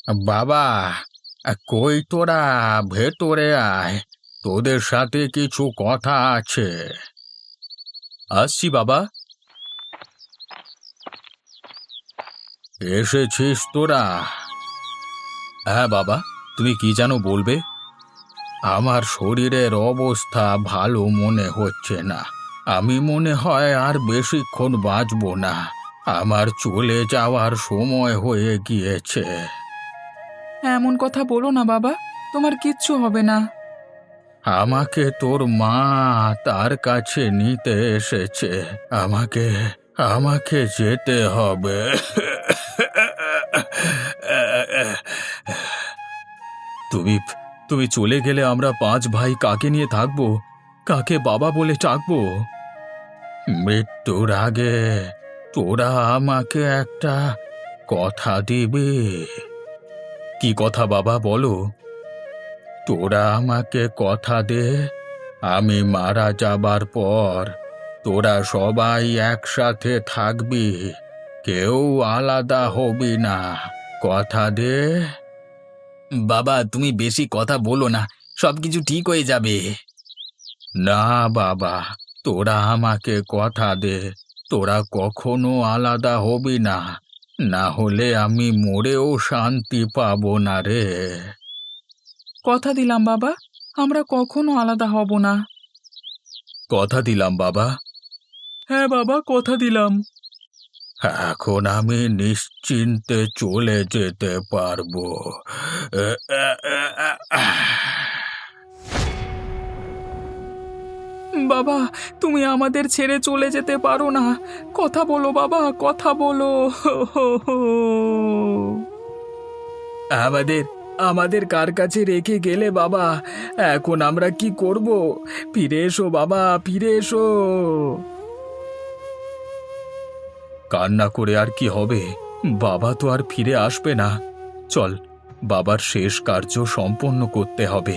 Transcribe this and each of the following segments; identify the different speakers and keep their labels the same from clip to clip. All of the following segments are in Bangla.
Speaker 1: বাবা, কই তোরা? ভেতরে আয়, তোদের সাথে কিছু কথা আছে। আসছি বাবা। এসেছিস তোরা? হ্যাঁ বাবা, তুমি কি যেন বলবে? আমার শরীরের অবস্থা ভালো মনে হচ্ছে না। আমি মনে হয় আর বেশিক্ষণ বাঁচব না। আমার চলে যাওয়ার সময় হয়ে গিয়েছে।
Speaker 2: এমন কথা বলো না বাবা, তোমার কিচ্ছু হবে না।
Speaker 1: আমাকে তোর মা তার কাছে নিতে এসেছে। আমাকে আমাকে যেতে হবে। তুমি তুমি চলে গেলে আমরা পাঁচ ভাই কাকে নিয়ে থাকবো? কাকে বাবা বলে ডাকবো? মৃত্যুর আগে তোরা আমাকে একটা কথা দিবি। কি কথা বাবা, বলো। তোরা আমাকে কথা দে, আমি মারা যাবার পর তোরা সবাই একসাথে থাকবি, কেউ আলাদা হবি না। কথা দে। বাবা, তুমি বেশি কথা বলো না, সবকিছু ঠিক হয়ে যাবে। না বাবা, তোরা আমাকে কথা দে, তোরা কখনো আলাদা হবি না, না হলে আমি মরেও শান্তি পাবো না রে।
Speaker 2: কথা দিলাম বাবা, আমরা কখনো আলাদা হব না।
Speaker 1: কথা দিলাম বাবা।
Speaker 2: হ্যাঁ বাবা, কথা দিলাম।
Speaker 1: এখন আমি নিশ্চিন্তে চলে যেতে পারবো।
Speaker 2: বাবা, তুমি আমাদের ছেড়ে চলে যেতে পারো না। কথা বলো বাবা, কথা বলো। আমাদের আমাদের কার কাছে রেখে গেলে বাবা? এখন আমরা কি করব? ফিরে এসো বাবা, ফিরে এসো।
Speaker 1: কান্না করে আর কি হবে? বাবা তো আর ফিরে আসবে না। চল, বাবার শেষ কার্য সম্পন্ন করতে হবে।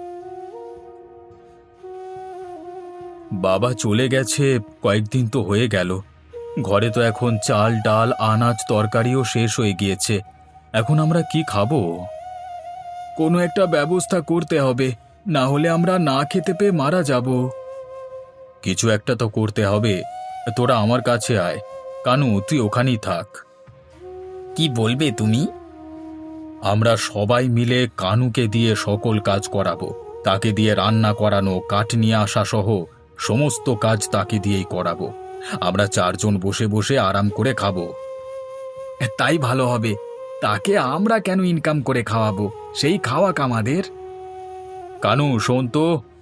Speaker 1: বাবা চলে গেছে কয়েকদিন তো হয়ে গেল। ঘরে তো এখন চাল ডাল আনাজ তরকারিও শেষ হয়ে গিয়েছে। এখন আমরা কি খাবো?
Speaker 2: কোনো একটা ব্যবস্থা করতে হবে, না হলে আমরা না খেতে পেয়ে মারা যাব।
Speaker 1: কিছু একটা তো করতে হবে। তোরা আমার কাছে আয়। কানু, তুই ওখানেই থাক। কি বলবে তুমি? আমরা সবাই মিলে কানুকে দিয়ে সকল কাজ করাবো। তাকে দিয়ে রান্না করানো, কাঠ নিয়ে আসা সহ সমস্ত কাজ তাকে দিয়েই করাবো। আমরা চারজন বসে বসে আরাম করে খাবো।
Speaker 2: তাই ভালো হবে। তাকে আমরা কেন ইনকাম করে খাওয়াবো? সেই খাওয়াক আমাদের।
Speaker 1: কানু, শোন তো।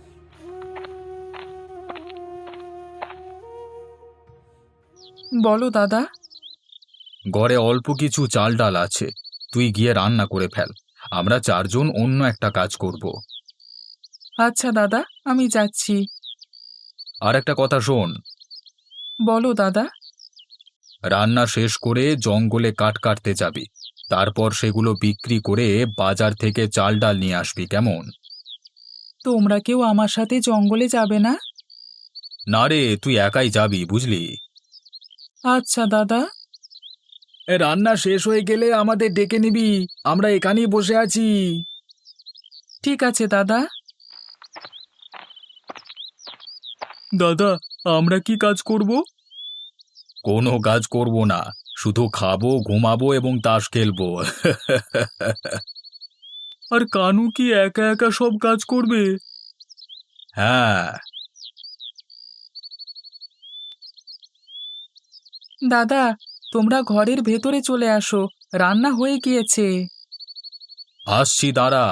Speaker 2: বলো দাদা।
Speaker 1: ঘরে অল্প কিছু চাল ডাল আছে, তুই গিয়ে রান্না করে ফেল। আমরা চারজন অন্য একটা কাজ করব।
Speaker 2: আচ্ছা দাদা, আমি যাচ্ছি।
Speaker 1: আর একটা কথা শোন।
Speaker 2: বলো দাদা।
Speaker 1: রান্না শেষ করে জঙ্গলে কাঠ কাটতে যাবি। তারপর সেগুলো বিক্রি করে বাজার থেকে চাল ডাল নিয়ে আসবি, কেমন?
Speaker 2: তোমরা কেউ আমার সাথে জঙ্গলে যাবে না?
Speaker 1: না রে, তুই একাই যাবি, বুঝলি?
Speaker 2: আচ্ছা দাদা। রান্না শেষ হয়ে গেলে আমাদের ডেকে নিবি, আমরা এখানেই বসে আছি। ঠিক আছে দাদা। দাদা, আমরা কি কাজ করব?
Speaker 1: কোনো কাজ করব না, শুধু খাবো, ঘুমাবো এবং তাস খেলবো।
Speaker 2: আর কানু কি একা একা সব কাজ করবে?
Speaker 1: হ্যাঁ।
Speaker 2: দাদা, তোমরা ঘরের ভেতরে চলে আসো, রান্না হয়ে গিয়েছে।
Speaker 1: আসছি, দাঁড়া।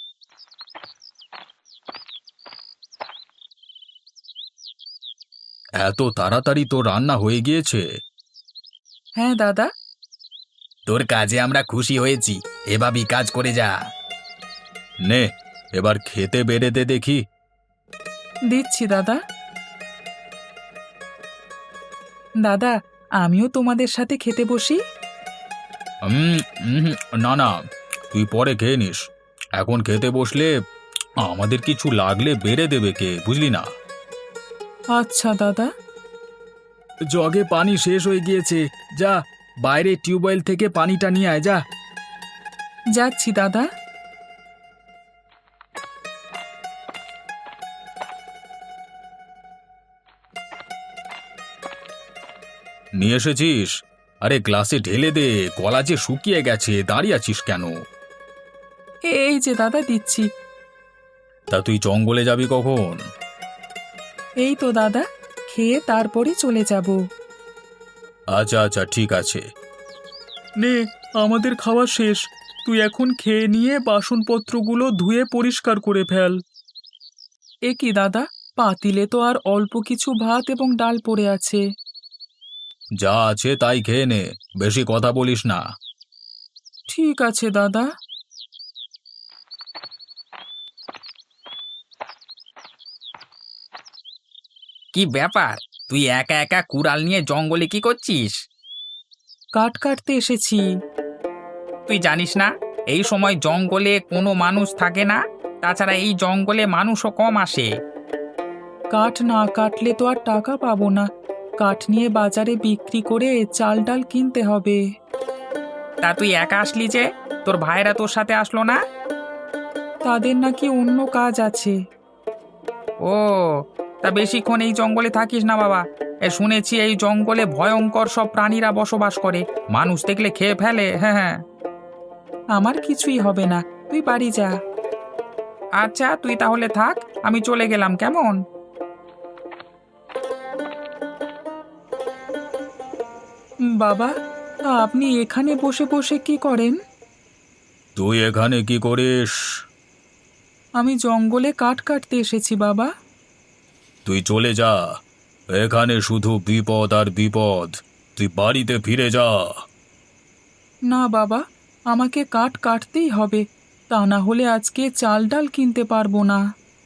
Speaker 1: এত তাড়াতাড়ি তো রান্না হয়ে গিয়েছে?
Speaker 2: হ্যাঁ দাদা।
Speaker 1: তোর কাজে আমরা খুশি হয়েছি, এভাবেই কাজ করে যা। নে, এবার খেতে বেড়ে দে দেখি।
Speaker 2: দিচ্ছি দাদা। দাদা, আমিও তোমাদের সাথে খেতে বসি।
Speaker 1: উম, উম, না না, তুই পরে খেয়ে নিস। এখন খেতে বসলে আমাদের কিছু লাগলে বেড়ে দেবে কে, বুঝলি না?
Speaker 2: আচ্ছা দাদা। জগে পানি শেষ হয়ে গিয়েছে, যা বাইরে টিউবওয়েল থেকে পানিটা নিয়ে আয়, যা। যাচ্ছি দাদা।
Speaker 1: নিয়ে এসেছিস? আরে গ্লাসে ঢেলে দে, গলা যে শুকিয়ে গেছে, দাঁড়িয়ে আছিস কেন?
Speaker 2: এই যে দাদা দিচ্ছি।
Speaker 1: তা তুই জঙ্গলে যাবি কখন?
Speaker 2: এই তো দাদা, খেয়ে তারপরই চলে যাব।
Speaker 1: আচ্ছা আচ্ছা, ঠিক আছে।
Speaker 2: নে, আমাদের খাওয়া শেষ। তুই এখন খেয়ে নিয়ে বাসনপত্রগুলো ধুয়ে পরিষ্কার করে ফেল। এ কি দাদা, পাতিলে তো আর অল্প কিছু ভাত এবং ডাল পড়ে আছে।
Speaker 1: যা আছে তাই খেয়ে নে, বেশি কথা বলিস না।
Speaker 2: ঠিক আছে দাদা।
Speaker 3: কি ব্যাপার? তুই একা একা কুড়াল নিয়ে জঙ্গলে কি করছিস?
Speaker 2: কাঠ কাটতে এসেছি।
Speaker 3: তুই জানিস না এই সময় জঙ্গলে কোনো মানুষ থাকে না? তাছাড়া এই জঙ্গলে মানুষও কম আসে।
Speaker 2: কাঠ না কাটলে তো আর টাকা পাবো না। কাঠ নিয়ে বাজারে বিক্রি করে চাল ডাল কিনতে হবে।
Speaker 3: তা তুই একা আসলি যে? তোর ভাইরা তোর সাথে আসলো না?
Speaker 2: তাদের নাকি অন্য কাজ আছে।
Speaker 3: ও, তা বেশিক্ষণ এই জঙ্গলে থাকিস না বাবা। শুনেছি এই জঙ্গলে ভয়ঙ্কর সব প্রাণীরা বসবাস করে, মানুষ দেখলে খেয়ে ফেলে। হ্যাঁ হ্যাঁ।
Speaker 2: আমার কিছুই হবে না, তুই বাড়ি যা।
Speaker 3: আচ্ছা, তুই তাহলে থাক, আমি চলে গেলাম, কেমন?
Speaker 2: বাবা, আপনি এখানে বসে বসে কি করেন?
Speaker 1: তুই এখানে কি করিস?
Speaker 2: আমি জঙ্গলে কাঠ কাটতে এসেছি বাবা।
Speaker 1: তুই চলে যা, এখানে শুধু বিপদ আর বিপদ। তুই বাড়িতে ফিরে যা।
Speaker 2: না বাবা, আমাকে কাঠ কাটতেই হবে, তা না হলে আজকে চাল ডাল কিনতে পারবো না।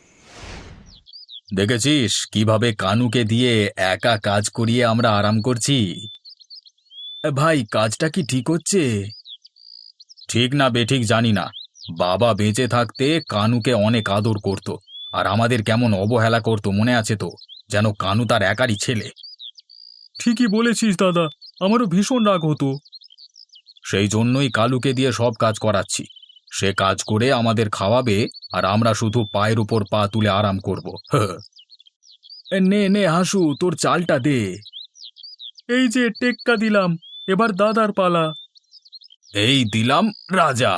Speaker 1: দেখেছিস কিভাবে কানুকে দিয়ে একা কাজ করিয়ে আমরা আরাম করছি? ভাই, কাজটা কি ঠিক হচ্ছে? ঠিক না বেঠিক জানি না, বাবা বেঁচে থাকতে কানুকে অনেক আদর করত, আর আমাদের কেমন অবহেলা করত মনে আছে তো? যেন কানু তার একারই ছেলে।
Speaker 2: ঠিকই বলেছিস দাদা, আমারও ভীষণ রাগ হতো।
Speaker 1: সেই জন্যই কালুকে দিয়ে সব কাজ করাচ্ছি। সে কাজ করে আমাদের খাওয়াবে, আর আমরা শুধু পায়ের উপর পা তুলে আরাম করব।
Speaker 2: নে নে হাসু, তোর চালটা দে। এই যে টেক্কা দিলাম, এবার দাদার পালা।
Speaker 1: এই দিলাম রাজা।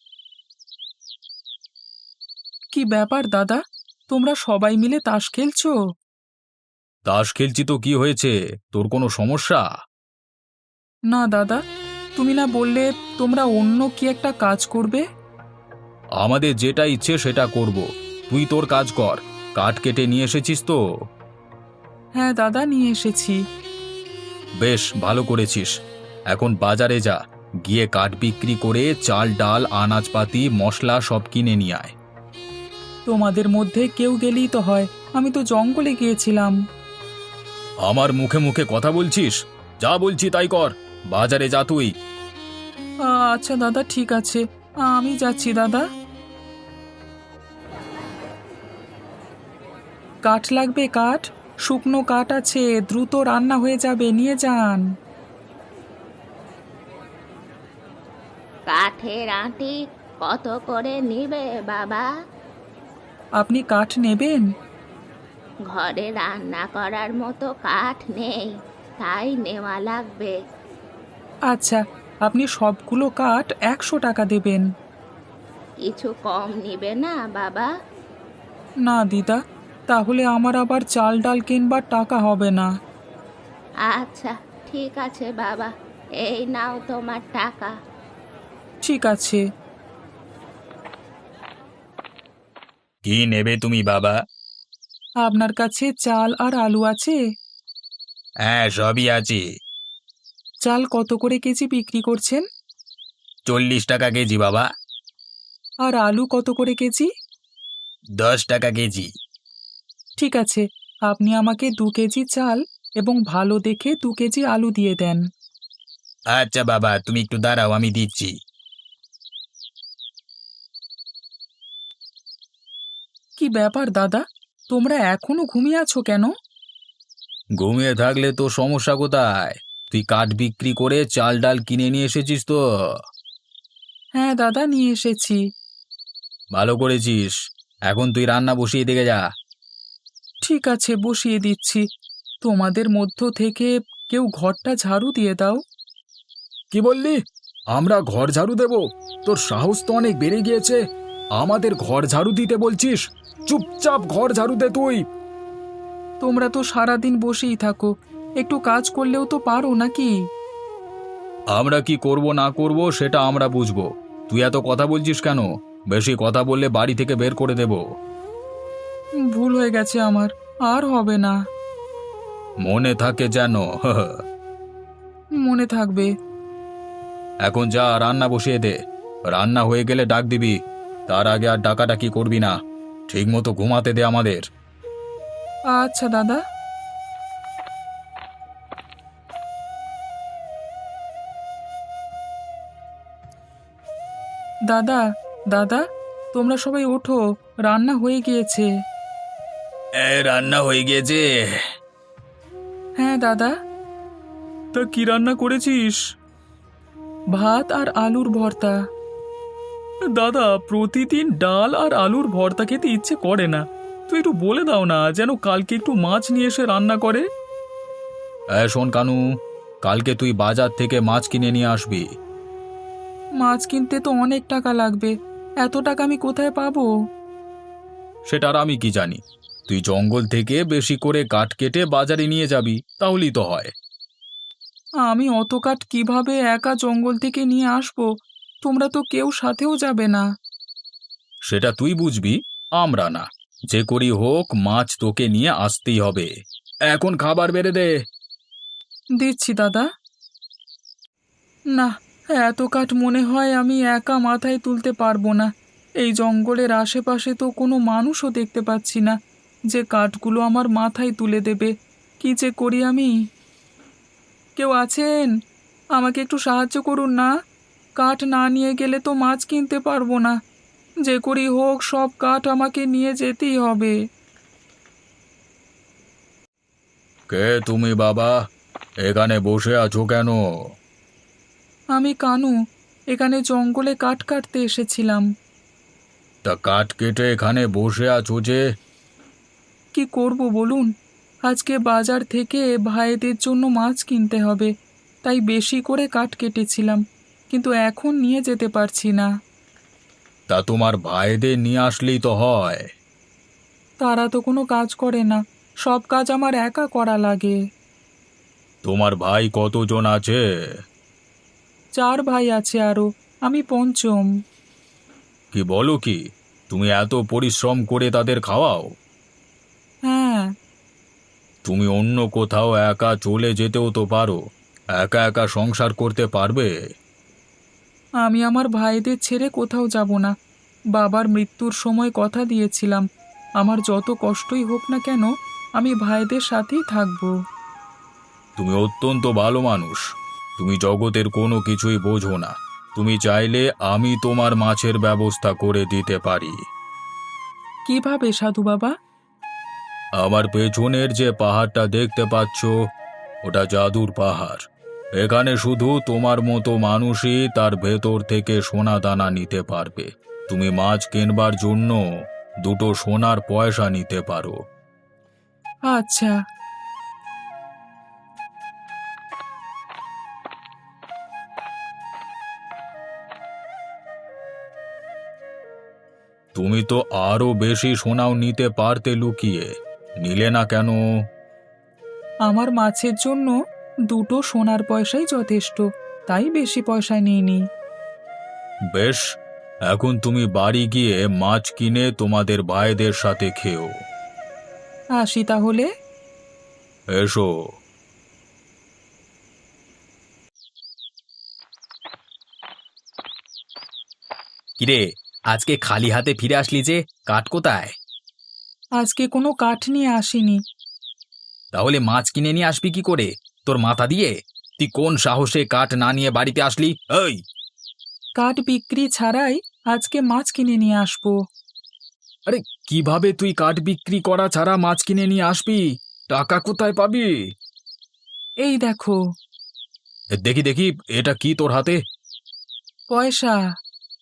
Speaker 2: কি ব্যাপার দাদা, তোমরা সবাই মিলে তাস খেলছো?
Speaker 1: তাস খেলছি তো কি হয়েছে? তোর কোনো সমস্যা?
Speaker 2: না দাদা, তুমি না বললে তোমরা অন্য কি একটা কাজ করবে?
Speaker 1: আমাদের যেটা ইচ্ছে সেটা করব। তুই তোর কাজ কর। কাঠ কেটে নিয়ে এসেছিস তো?
Speaker 2: হ্যাঁ দাদা, নিয়ে এসেছি।
Speaker 1: বেশ ভালো করেছিস। এখন বাজারে যা, গিয়ে কাঠ বিক্রি করে চাল ডাল আনাজপাতি মশলা সব কিনে নিয়ে আয়।
Speaker 2: তোমাদের মধ্যে কেউ গেলেই তো হয়, আমি তো জঙ্গলে গিয়েছিলাম।
Speaker 1: আমার মুখে মুখে কথা বলছিস? যা বলছি তাই কর, বাজারে যা তুই।
Speaker 2: আচ্ছা দাদা, ঠিক আছে, আমি যাচ্ছি দাদা। কাঠ লাগবে? কাঠ, শুকনো কাঠ আছে, দ্রুত রান্না হয়ে যাবে, নিয়ে যান।
Speaker 4: কাঠের আঁটি কত করে নিবে বাবা?
Speaker 2: আপনি কাঠ নেবেন?
Speaker 4: ঘরে রান্না করার মতো কাঠ নেই, তাই নেওয়া লাগবে।
Speaker 2: আচ্ছা, আপনি সবগুলো কাঠ 100 টাকা দেবেন।
Speaker 4: কিছু কম নিবে না বাবা?
Speaker 2: না দিদা, তাহলে আমার আবার চাল ডাল কিনবার টাকা হবে না।
Speaker 4: আচ্ছা ঠিক আছে বাবা, এই নাও তোমার টাকা।
Speaker 2: ঠিক আছে।
Speaker 1: কি নেবে তুমি বাবা?
Speaker 2: আপনার কাছে চাল আর আলু আছে?
Speaker 1: হ্যাঁ, সবই আছে।
Speaker 2: চাল কত করে কেজি বিক্রি করছেন?
Speaker 1: 40 টাকা কেজি বাবা।
Speaker 2: আর আলু কত করে কেজি?
Speaker 1: 10 টাকা কেজি।
Speaker 2: ঠিক আছে, আপনি আমাকে 2 কেজি চাল এবং ভালো দেখে 2 কেজি আলু দিয়ে দেন।
Speaker 1: আচ্ছা বাবা, তুমি একটু দাঁড়াও, আমি দিচ্ছি।
Speaker 2: কি ব্যাপার দাদা, তোমরা এখনো ঘুমিয়ে আছো কেন?
Speaker 1: ঘুমিয়ে থাকলে তো সমস্যা কোথায়? তুই কাঠ বিক্রি করে চাল ডাল কিনে নিয়ে এসেছিস তো?
Speaker 2: হ্যাঁ দাদা, নিয়ে এসেছি।
Speaker 1: ভালো করেছিস। এখন তুই রান্না বসিয়ে দিকে যা।
Speaker 2: ঠিক আছে, বসিয়ে দিচ্ছি। তোমাদের মধ্য থেকে কেউ ঘরটা ঝাড়ু দিয়ে দাও।
Speaker 1: কি বললি? আমরা ঘর ঝাড়ু দেব? তোর সাহস তো অনেক বেড়ে গিয়েছে। আমাদের ঘর ঝাড়ু দিতে বলছিস? চুপচাপ ঘর ঝাড়ু দে তুই।
Speaker 2: তোমরা তো সারাদিন বসেই থাকো, একটু কাজ করলেও তো পারো নাকি?
Speaker 1: আমরা কি করব না করব সেটা আমরা বুঝবো। তুই এত কথা বলছিস কেন? বেশি কথা বললে বাড়ি থেকে বের করে দেব।
Speaker 2: ভুল হয়ে গেছে আমার, আর হবে না।
Speaker 1: মনে থাকে যেন।
Speaker 2: মনে থাকবে।
Speaker 1: এখন যা, রান্না বসিয়ে দে। রান্না হয়ে গেলে ডাক দিবি। তার আগে আর ডাকাডাকি করবি না। ঠিক মতো ঘুমাতে দে আমাদের।
Speaker 2: আচ্ছা দাদা। দাদা, দাদা, তোমরা সবাই ওঠো, রান্না হয়ে গিয়েছে।
Speaker 1: রান্না হয়ে গিয়েছে?
Speaker 2: হ্যাঁ দাদা।
Speaker 1: তা কি রান্না করেছিস?
Speaker 2: ভাত আর আলুর ভর্তা।
Speaker 1: দাদা, প্রতিদিন ডাল আর আলুর ভর্তা খেতে ইচ্ছে করে না। তুই একটু বলে দাও না, যেন কালকে একটু মাছ নিয়ে এসে রান্না করে। শোন কানু, কালকে তুই বাজার থেকে মাছ কিনে নিয়ে আসবি।
Speaker 2: মাছ কিনতে তো অনেক টাকা লাগবে, এত টাকা আমি কোথায় পাবো?
Speaker 1: সেটা আর আমি কি জানি। তুই জঙ্গল থেকে বেশি করে কাঠ কেটে বাজারে নিয়ে যাবি, তাহলেই তো হয়।
Speaker 2: আমি অত কাঠ কিভাবে একা জঙ্গল থেকে নিয়ে আসবো? তোমরা তো কেউ সাথেও যাবে না।
Speaker 1: সেটা তুই বুঝবি, আমরা না। যে করি হোক, মাছ তোকে নিয়ে আসতেই হবে। এখন খাবার বেড়ে দে।
Speaker 2: দিচ্ছি দাদা। না, এত কাঠ মনে হয় আমি একা মাথায় তুলতে পারবো না। এই জঙ্গলের আশেপাশে তো কোনো মানুষও দেখতে পাচ্ছি না যে কাঠগুলো আমার মাথায় তুলে দেবে। কি যে করি আমি? কেউ আছেন? আমাকে একটু সাহায্য করুন না। কাঠ না নিয়ে গেলে তো মাছ কিনতে পারবো না। যে করি হোক, সব কাঠ আমাকে নিয়ে যেতেই হবে।
Speaker 1: কে তুমি বাবা? এখানে বসে আছো কেন?
Speaker 2: আমি কানু, এখানে জঙ্গলে কাঠ কাটতে এসেছিলাম।
Speaker 1: তা কাঠ কেটে এখানে বসে আছো যে?
Speaker 2: কি করব বলুন? আজকে বাজার থেকে ভাইদের জন্য মাছ কিনতে হবে, তাই বেশি করে কাঠ কেটেছিলাম, কিন্তু এখন নিয়ে যেতে পারছি না।
Speaker 1: তা তোমার ভাইদের নিয়ে আসলেই তো হয়।
Speaker 2: তারা তো কোনো কাজ করে না, সব কাজ আমার একা করা লাগে।
Speaker 1: তোমার ভাই কতজন আছে?
Speaker 2: 4 ভাই আছে আরো, আমি পঞ্চম।
Speaker 1: কি বলো কি? তুমি এত পরিশ্রম করে তাদের খাওয়াও?
Speaker 2: হ্যাঁ।
Speaker 1: তুমি অন্য কোথাও একা চলে যেতেও তো পারো। একা একা সংসার করতে পারবে?
Speaker 2: আমি আমার ভাইদের ছেড়ে কোথাও যাব না। বাবার মৃত্যুর সময় কথা দিয়েছিলাম, আমার যত কষ্টই হোক না কেন, আমি ভাইদের সাথেই থাকবো।
Speaker 1: তুমি অত্যন্ত ভালো মানুষ। তুমি জগতের কোনো কিছুই বোঝো না। তুমি চাইলে আমি তোমার মাছের ব্যবস্থা করে দিতে পারি।
Speaker 2: কিভাবে সাধু বাবা?
Speaker 1: আমার পেছনের যে পাহাড়টা দেখতে পাচ্ছ, ওটা জাদুর পাহাড়। এখানে শুধু তোমার মতো মানুষই তার ভেতর থেকে সোনা দানা নিতে পারবে। তুমি মাছ কিনবার জন্য 2টো সোনার পয়সা নিতে পারো।
Speaker 2: আচ্ছা।
Speaker 1: তুমি তো আরো বেশি সোনাও নিতে পারতে, লুকিয়ে নিলে না কেন?
Speaker 2: আমার মাছের জন্য 2টো সোনার পয়সাই যথেষ্ট, তাই বেশি পয়সা নিইনি।
Speaker 1: বেশ, এখন তুমি বাড়ি গিয়ে মাছ কিনে তোমাদের ভাইদের সাথে খেও।
Speaker 2: আসি তাহলে।
Speaker 1: এসো। কিরে, আজকে খালি হাতে ফিরে আসলি যে? কাঠ কোথায়?
Speaker 2: আজকে কোনো কাঠ নিয়ে আসিনি।
Speaker 1: তাহলে মাছ কিনে নিয়ে আসবি কি করে? তোর মাথা দিয়ে? তুই কোন সাহসে কাঠ না নিয়ে বাড়িতে আসলি? এই,
Speaker 2: কাঠ বিক্রি ছাড়াই আজকে মাছ কিনে নিয়ে আসবো।
Speaker 1: আরে কিভাবে তুই কাঠ বিক্রি করা ছাড়া মাছ কিনে নিয়ে আসবি? টাকা কোথায় পাবি?
Speaker 2: এই দেখো।
Speaker 1: দেখি দেখি, এটা কি তোর হাতে?
Speaker 2: পয়সা।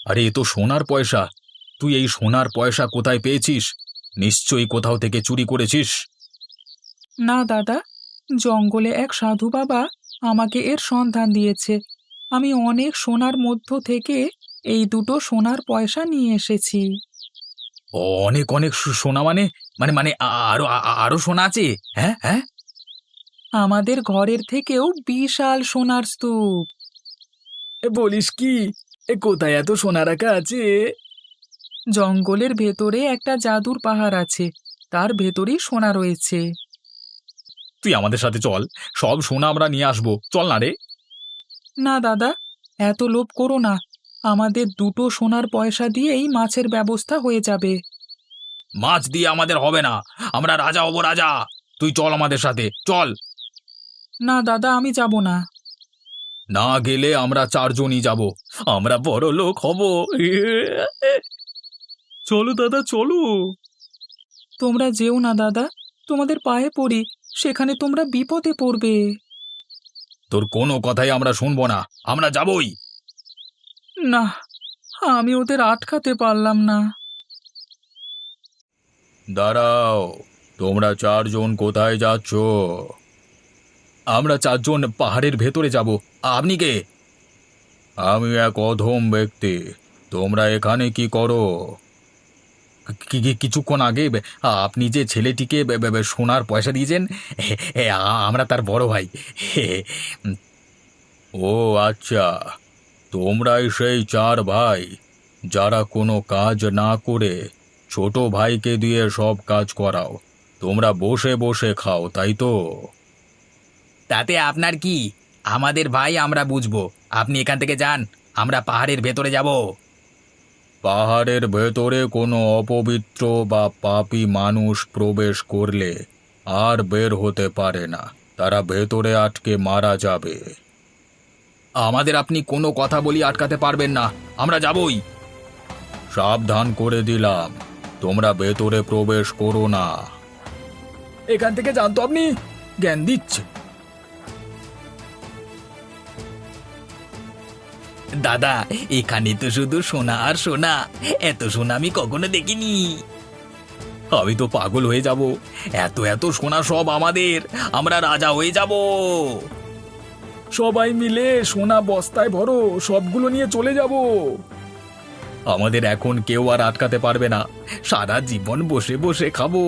Speaker 1: আরে এ তো সোনার পয়সা। তুই এই সোনার পয়সা কোথায় পেয়েছিস? নিশ্চয়ই কোথাও থেকে চুরি করেছিস।
Speaker 2: না দাদা, জঙ্গলে এক সাধু বাবা আমাকে এর সন্ধান দিয়েছে। আমি অনেক সোনার মধ্য থেকে এই দুটো সোনার পয়সা নিয়ে এসেছি।
Speaker 1: অনেক অনেক সোনা মানে মানে মানে আরো আরো সোনা আছে? হ্যাঁ হ্যাঁ।
Speaker 2: আমাদের ঘরের থেকেও বিশাল সোনার স্তূপ।
Speaker 1: বলিস কি? কোথায় এত সোনা রাখা আছে?
Speaker 2: জঙ্গলের ভেতরে একটা জাদুর পাহাড় আছে, তার ভেতরেই সোনা রয়েছে।
Speaker 1: তুই আমাদের সাথে চল, সব সোনা আমরা নিয়ে আসবো। চল না রে।
Speaker 2: না দাদা, এত লোভ করো না। আমাদের দুটো সোনার পয়সা দিয়েই মাছের ব্যবস্থা হয়ে যাবে।
Speaker 1: মাছ দিয়ে আমাদের হবে না, আমরা রাজা হব রাজা। তুই চল আমাদের সাথে, চল।
Speaker 2: না দাদা, আমি যাব না।
Speaker 1: না গেলে আমরা চারজনই যাব, আমরা বড় লোক হব।
Speaker 2: চলো দাদা, চলো। তোমরা যেও না দাদা, তোমাদের পায়ে পড়ি, সেখানে তোমরা বিপদে পড়বে।
Speaker 1: তোর কোনো কথাই আমরা শুনবো না, আমরা যাবই।
Speaker 2: না, আমি ওদের আটকাতে পারলাম না।
Speaker 1: দাঁড়াও, তোমরা চারজন কোথায় যাচ্ছ? আমরা চারজন পাহাড়ের ভেতরে যাব। আপনি কে? আমি এক অধম ব্যক্তি। তোমরা এখানে কি করো? কিছুক্ষণ আগে আপনি যে ছেলেটিকে সোনার পয়সা দিয়েছেন, আমরা তার বড় ভাই। ও আচ্ছা, তোমরাই সেই চার ভাই যারা কোনো কাজ না করে ছোট ভাইকে দিয়ে সব কাজ করাও। তোমরা বসে বসে খাও, তাই তো?
Speaker 3: তাতে আপনার কি? আমাদের ভাই, আমরা বুঝবো। আপনি এখান থেকে যান, আমরা পাহাড়ের ভেতরে যাব।
Speaker 1: পাহাড়ের ভেতরে কোনো অপবিত্র বা পাপী মানুষ প্রবেশ করলে আর বের হতে পারে না, তারা ভেতরে আটকে মারা যাবে। আমাদের আপনি কোনো কথা বলি আটকাতে পারবেন না, আমরা যাবই। সাবধান করে দিলাম, তোমরা ভেতরে প্রবেশ করো না। এখান থেকে জানতো আপনি জ্ঞান দিচ্ছে।
Speaker 3: দাদা, এখানে তো শুধু সোনা আর সোনা, এত সোনা আমি কখনো দেখিনি।
Speaker 1: আমি তো পাগল হয়ে যাব, এত এত সোনা সব আমাদের, আমরা রাজা হয়ে যাব। সবাই মিলে সোনা বস্তায় ভরো, সবগুলো নিয়ে চলে যাব। আমাদের এখন কেউ আর আটকাতে পারবে না, সারা জীবন বসে বসে খাবো।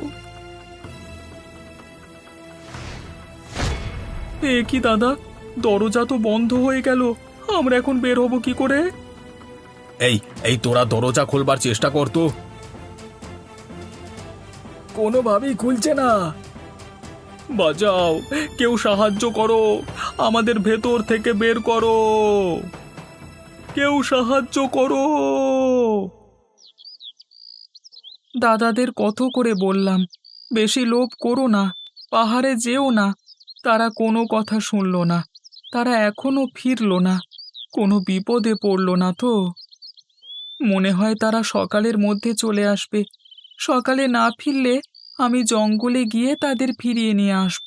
Speaker 2: এ কি দাদা, দরজা তো বন্ধ হয়ে গেল, আমরা এখন বের হব কি করে?
Speaker 1: এই এই তোরা দরজা খোলবার চেষ্টা কর তো। কোনোভাবেই খুলছে না।
Speaker 2: বাঁচাও, কেউ সাহায্য করো, আমাদের ভেতর থেকে বের করো, কেউ সাহায্য করো। দাদাদের কত করে বললাম, বেশি লোভ করো না, পাহাড়ে যেও না। তারা কোনো কথা শুনল না, তারা এখনো ফিরল না। কোনো বিপদে পড়ল না তো? মনে হয় তারা সকালের মধ্যে চলে আসবে। সকালে না ফিরলে আমি জঙ্গলে গিয়ে তাদের ফিরিয়ে নিয়ে আসব।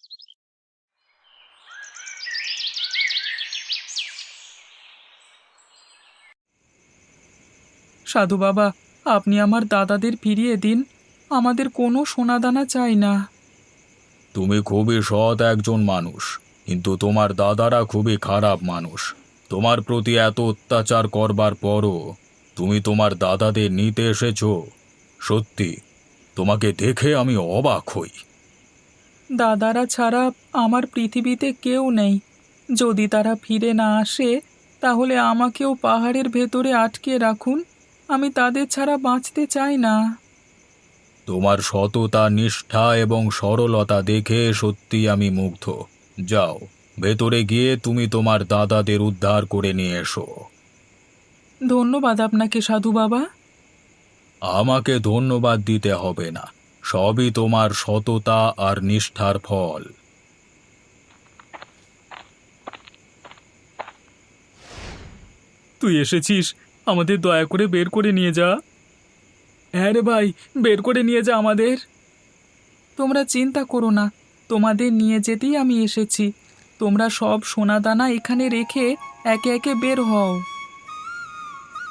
Speaker 2: সাধু বাবা, আপনি আমার দাদাদের ফিরিয়ে দিন, আমাদের কোনো সোনাদানা চাই না।
Speaker 1: তুমি খুবই সৎ একজন মানুষ, কিন্তু তোমার দাদারা খুবই খারাপ মানুষ। তোমার প্রতি এত অত্যাচার করবার পরও তুমি তোমার দাদাদের নিতে এসেছো। সত্যি, তোমাকে দেখে আমি অবাক হই।
Speaker 2: দাদারা ছাড়া আমার পৃথিবীতে কেউ নেই। যদি তারা ফিরে না আসে, তাহলে আমাকেও পাহাড়ের ভেতরে আটকে রাখুন, আমি তাদের ছাড়া বাঁচতে চাই না।
Speaker 1: তোমার সততা, নিষ্ঠা এবং সরলতা দেখে সত্যি আমি মুগ্ধ। যাও, ভেতরে গিয়ে তুমি তোমার দাদাদের উদ্ধার করে নিয়ে এসো।
Speaker 2: ধন্যবাদ আপনাকে সাধু বাবা।
Speaker 1: আমাকে ধন্যবাদ দিতে হবে না, সবই তোমার সততা আর নিষ্ঠার ফল।
Speaker 2: তুই এসেছিস, আমাদের দয়া করে বের করে নিয়ে যা। হ্যাঁ রে ভাই, বের করে নিয়ে যা আমাদের। তোমরা চিন্তা করো না, তোমাদের নিয়ে যেতেই আমি এসেছি। তোমরা সব সোনাদানা এখানে রেখে একে একে বের হও।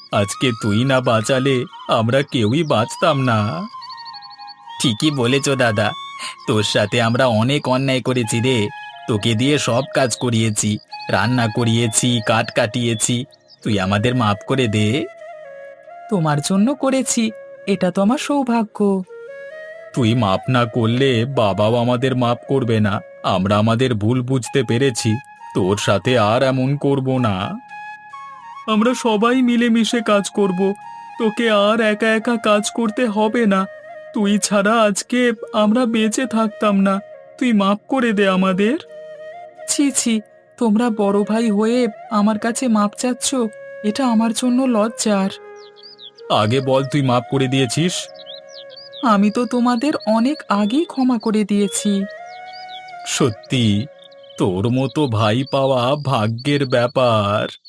Speaker 1: আজকে তুই না বাঁচালে আমরা কেউই বাঁচতাম না। ঠিকই বলেছ দাদা, তোর সাথে আমরা অনেক অন্যায় করেছি রে। তোকে দিয়ে সব কাজ করিয়েছি, রান্না করিয়েছি, কাঠ কাটিয়েছি। তুই আমাদের মাফ করে দে।
Speaker 2: তোমার জন্য করেছি, এটা তো আমার সৌভাগ্য।
Speaker 1: তুই মাপ না করলে বাবাও আমাদের মাপ করবে না। আমরা আমাদের ভুল বুঝতে পেরেছি, তোর সাথে আর এমন করব না।
Speaker 2: আমরা সবাই মিলেমিশে কাজ করব, তোকে আর একা একা কাজ করতে হবে না। তুই ছাড়া আজকে আমরা বেঁচে থাকতাম না। তুই মাফ করে দে আমাদের। ছি ছি, তোমরা বড় ভাই হয়ে আমার কাছে মাপ চাচ্ছ, এটা আমার জন্য লজ্জার।
Speaker 1: আগে বল, তুই মাপ করে দিয়েছিস?
Speaker 2: আমি তো তোমাদের অনেক আগেই ক্ষমা করে দিয়েছি।
Speaker 1: সত্যি? তোর মতো ভাই পাওয়া ভাগ্যের ব্যাপার।